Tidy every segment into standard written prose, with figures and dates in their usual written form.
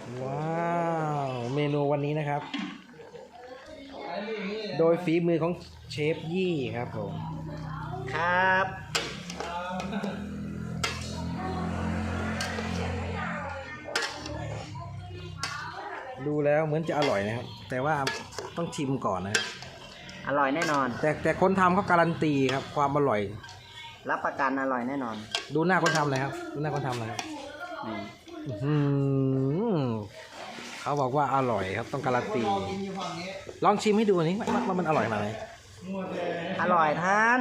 ว้าวเมนูวันนี้นะครับโดยฝีมือของเชฟยี่ครับผมครับดูแล้วเหมือนจะอร่อยนะครับแต่ว่าต้องชิมก่อนนะครับอร่อยแน่นอนแต่คนทำเขาการันตีครับความอร่อยรับประกันอร่อยแน่นอนดูหน้าคนทำเลยครับดูหน้าคนทำเลยครับเขาบอกว่าอร่อยครับต้องการันตีลองชิมให้ดูนี้ว่ามันอร่อยขนาดไหนอร่อยท่าน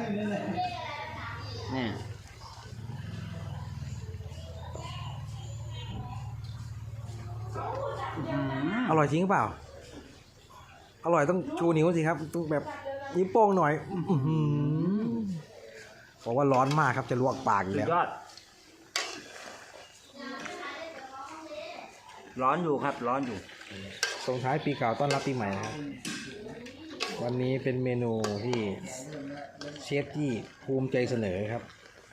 นี่อร่อยจริงหรือเปล่าอร่อยต้องชูนิ้วสิครับต้องแบบนิ้วโป้งหน่อยบอกว่าร้อนมากครับจะลวกปากอยู่แล้วร้อนอยู่ครับร้อนอยู่ส่งท้ายปีเก่าต้อนรับปีใหม่นะครับวันนี้เป็นเมนูที่เชฟที่ภูมิใจเสนอครับ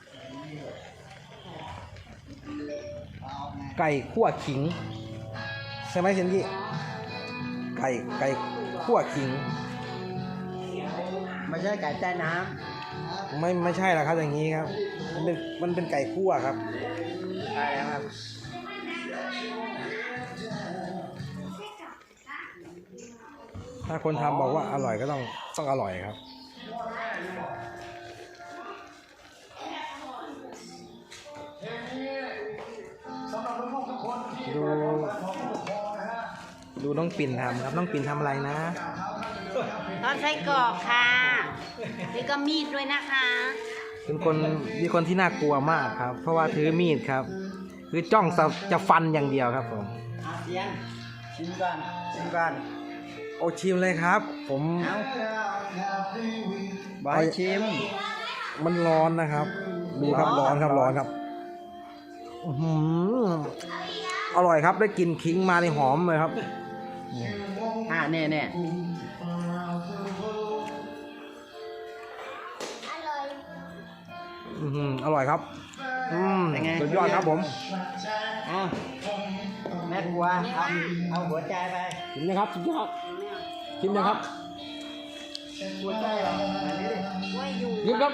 ไก่คั่วขิงใช่ไหมเชฟที่ไก่คั่วขิงไม่ใช่ไก่ใต้น้ำไม่ใช่หรอกครับอย่างนี้ครับมันเป็นไก่คั่วครับใช่แล้วครับถ้าคนทำบอกว่าอร่อยก็ต้องอร่อยครับดูน้องปิ่นทำครับน้องปิ่นทำอะไรนะทอดไส้กรอกค่ะแล้วก็มีดด้วยนะคะเป็นคนมีคนที่น่ากลัวมากครับเพราะว่าถือมีดครับคือจ้องจะฟันอย่างเดียวครับผมเสียงชิมกันโอ้ชิมเลยครับผมบายชิมมันร้อนนะครับดูครับร้อนครับอร่อยครับได้กลิ่นขิงมาในหอมเลยครับเนี่ยอร่อยครับสุดยอดครับผมแม่ครัวเอาหัวใจไปชิมนะครับสุดยอดชิมนะครับหัวใจเหรอชิมครับ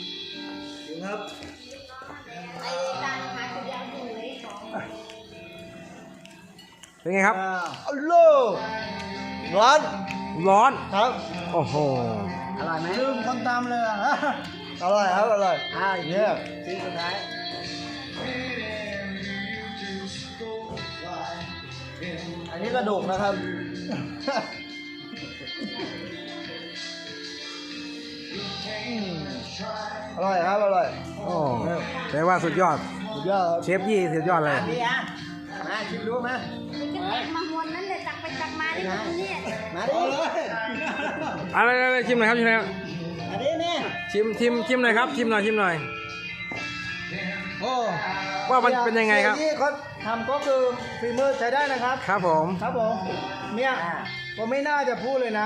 เป็นไงครับอัลโหลร้อนครับโอ้โหอร่อยไหมลืมคนตามเลยอร่อยครับอร่อยเนี่ยชิ้นสุดท้ายอันนี้กระดูกนะครับอร่อยครับอร่อยโอ้แต่ว่าสุดยอดเชฟยี่สุดยอดเลยพี่มาชิมดูมามาหวนนั้นเลยตักไปตักมาที่นี่มาดิอะไรชิมหน่อยครับชิมหน่อยมาดิเนี่ยชิมหน่อยครับชิมหน่อยโอ้ว่ามันเป็นยังไงครับที่เขาทำก็คือฝีมือใช้ได้นะครับครับผมเนี่ยผมไม่น่าจะพูดเลยนะ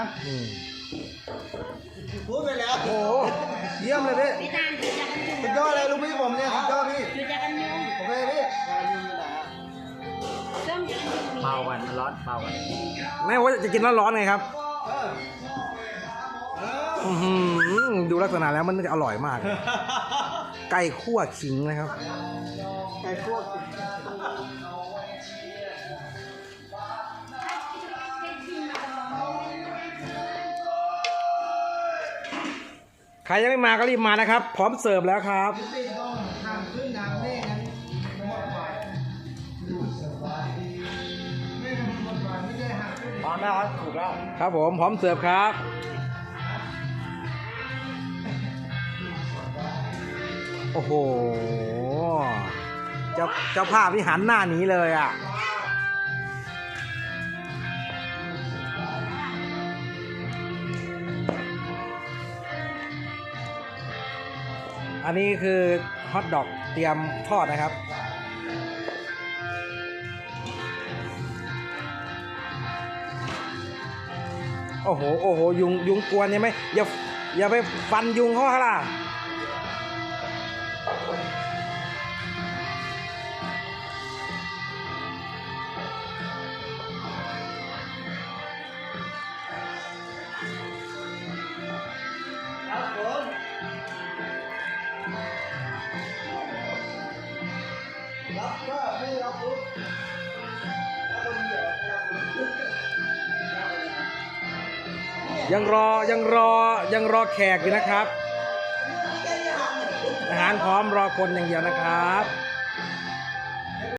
พูดไปแล้วโอ้เยี่ยมเลยพี่สุดยอดเลยลูกพี่ผมเนี่ยสุดยอดพี่โอเคพี่เบากันร้อนเบากันไม่ว่าจะกินร้อนไงครับดูลักษณะแล้วมันจะอร่อยมากไก่คั่วขิงนะครับไก่คั่วใครยังไม่มาก็รีบมานะครับพร้อมเสิร์ฟแล้วครับพร้อมแล้วครับถูกแล้วครับผมพร้อมเสิร์ฟครับโอ้โหเจ้าภาพที่หันหน้าหนีเลยอ่ะอันนี้คือฮอทดอกเตรียมทอดนะครับโอ้โหยุงกวนใช่ไหมอย่าไปฟันยุงเขาล่ะ อยังรอแขกอยู่นะครับ อาหารพร้อมรอคนอย่างเดียวนะครับ